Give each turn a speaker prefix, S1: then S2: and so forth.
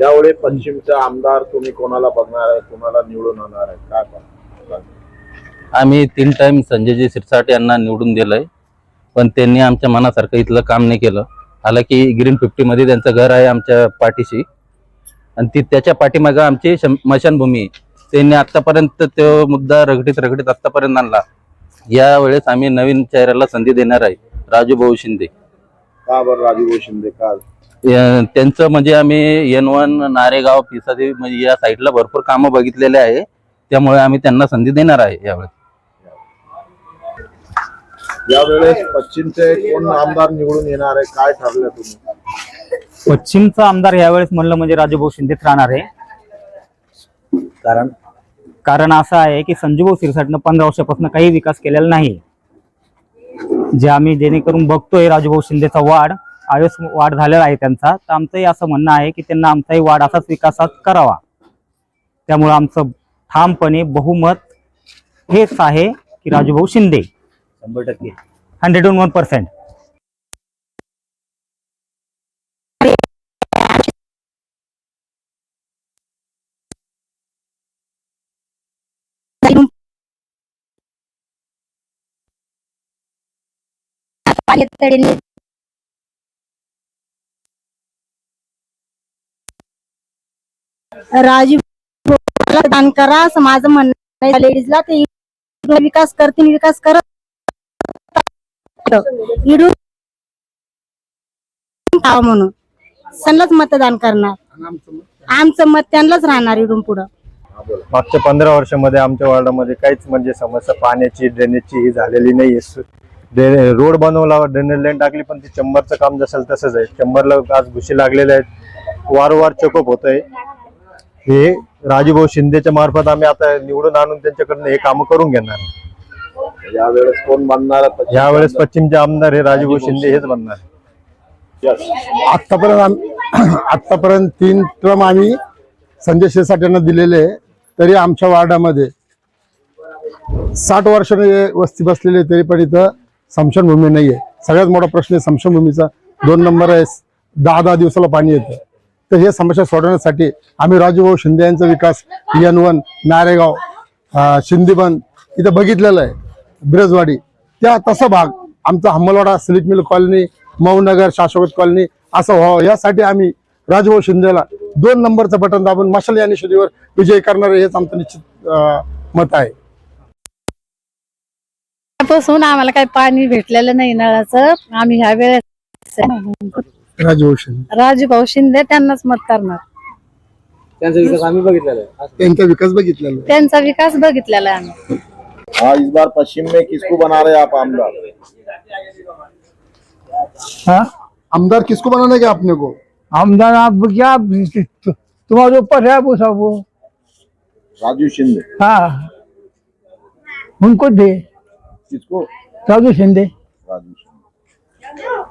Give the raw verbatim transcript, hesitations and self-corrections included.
S1: यावेळी पश्चिमचा आमदार तुम्ही कोणाला बघणार आहे, कोणाला निवडून आणणार आहे, काय पाहता?
S2: आम्ही तीन टाइम संजयजी शिरसाट यांना निवडून दिलंय, पण त्यांनी आमच्या मनासारखं इथलं काम नाही केलं. हालाकी ग्रीन फिफ्टी मध्ये त्यांचं घर आहे आमच्या पाठीशी, आणि ती त्याच्या पाठीमागं आमची स्मशानभूमी आहे. त्यांनी आतापर्यंत तो मुद्दा रगडीत रगडीत आतापर्यंत आणला. यावेळेस आम्ही नवीन चेहऱ्याला संधी देणार आहे, राजू भाऊ शिंदे.
S1: का बरं राजू भाऊ शिंदे? का?
S2: त्यांचं म्हणजे आम्ही एन वन नारेगाव पिसादेवी म्हणजे या साईडला भरपूर कामं बघितलेले आहे, त्यामुळे आम्ही त्यांना संधी देणार आहे यावेळेस.
S1: यावेळेस पश्चिमचे कोण आमदार निवडून येणार आहे, काय ठरलं तुम्ही?
S3: पश्चिमचा आमदार यावेळेस म्हणलं म्हणजे राजूभाऊ शिंदेच राहणार आहे.
S1: कारण
S3: कारण असं आहे की संजूभाऊ शिरसाटनं पंधरा वर्षापासून काही विकास केलेला नाही. जे आम्ही जेणेकरून बघतोय राजूभाऊ शिंदेचा वाढ आवेश वाढ झालेला आहे त्यांचा, तर आमचंही असं म्हणणं आहे की त्यांना आमचाही वाढ असाच विकासात करावा. त्यामुळे आमचं ठामपणे बहुमत हेच आहे की राजूभाऊ शिंदे
S1: शंभर टक्के
S3: hundred and one percent.
S4: Raju दान करा असं माझं म्हणणं आहे. लेडीजला ते विकास करतील, विकास करत इडून म्हणून त्यांनाच मतदान करणार. आमचं मत त्यांनाच राहणार इडून पुढं.
S5: मागच्या पंधरा वर्षामध्ये आमच्या वार्डामध्ये काहीच म्हणजे समस्या पाण्याची ड्रेनेजची ही झालेली नाहीये. रोड बनवला, ड्रेनेज लाईन टाकली, पण ती चंबरचं काम जसं तसंच आहे. चंबरला आज घुशी लागलेल्या आहेत, वारंवार चेकअप होत आहे. हे राजूभाऊ शिंदेच्या मार्फत आम्ही आता निवडून आणून त्यांच्याकडनं हे काम करून घेणार.
S1: यावेळेस कोण बनणार?
S5: यावेळेस पश्चिमचे आमदार हे राजूभाऊ शिंदे हेच बनणार.
S6: आतापर्यंत आतापर्यंत तीन ट्रम आम्ही संजय शिरसाट यांना दिलेले, तरी आमच्या वार्डामध्ये साठ वर्षाने वस्ती बसलेली, तरी पण इथं स्मशानभूमी नाहीये. सगळ्यात मोठा प्रश्न आहे स्मशानभूमीचा. दोन नंबर आहे, दहा दहा दिवसाला पाणी येतं. तर हे समस्या सोडवण्यासाठी आम्ही राजूभाऊ शिंदे यांचा विकास एन वन नारेगाव शिंदीबन इथं बघितलेला आहे, ब्रजवाडी त्या तसा भाग आमचा हम्मलवाडा, सिलिक मिल कॉलनी, मौनगर, शाश्वत कॉलनी असं व्हावं यासाठी आम्ही राजूभाऊ शिंदेला दोन नंबरचं बटन दाबून मशाल या निषेधीवर विजय करणारे हेच आमचं निश्चित मत आहे.
S7: पासून आम्हाला काही पाणी भेटलेलं नाही नळाचं. आम्ही ह्या वेळेस
S6: राजूभाऊ शिंदे
S7: राजूभाऊ शिंदे त्यांनाच मत करणार.
S3: त्यांचा विकास आम्ही बघितलेला आहे,
S6: त्यांचा विकास बघितलेला आहे.
S7: त्यांचा विकास बघितलेला आहे आम्ही.
S1: हाँ, इस बार पश्चिम में किसको बना रहे आप आमदार?
S6: हाँ? आमदार किसको बनाना है आपने को?
S8: आमदार आप क्या तुम्हारे ऊपर है वो सब. वो
S1: राजू शिंदे.
S8: हाँ, उनको दे.
S1: किसको?
S8: राजू शिंदे.
S1: राजू शिंदे.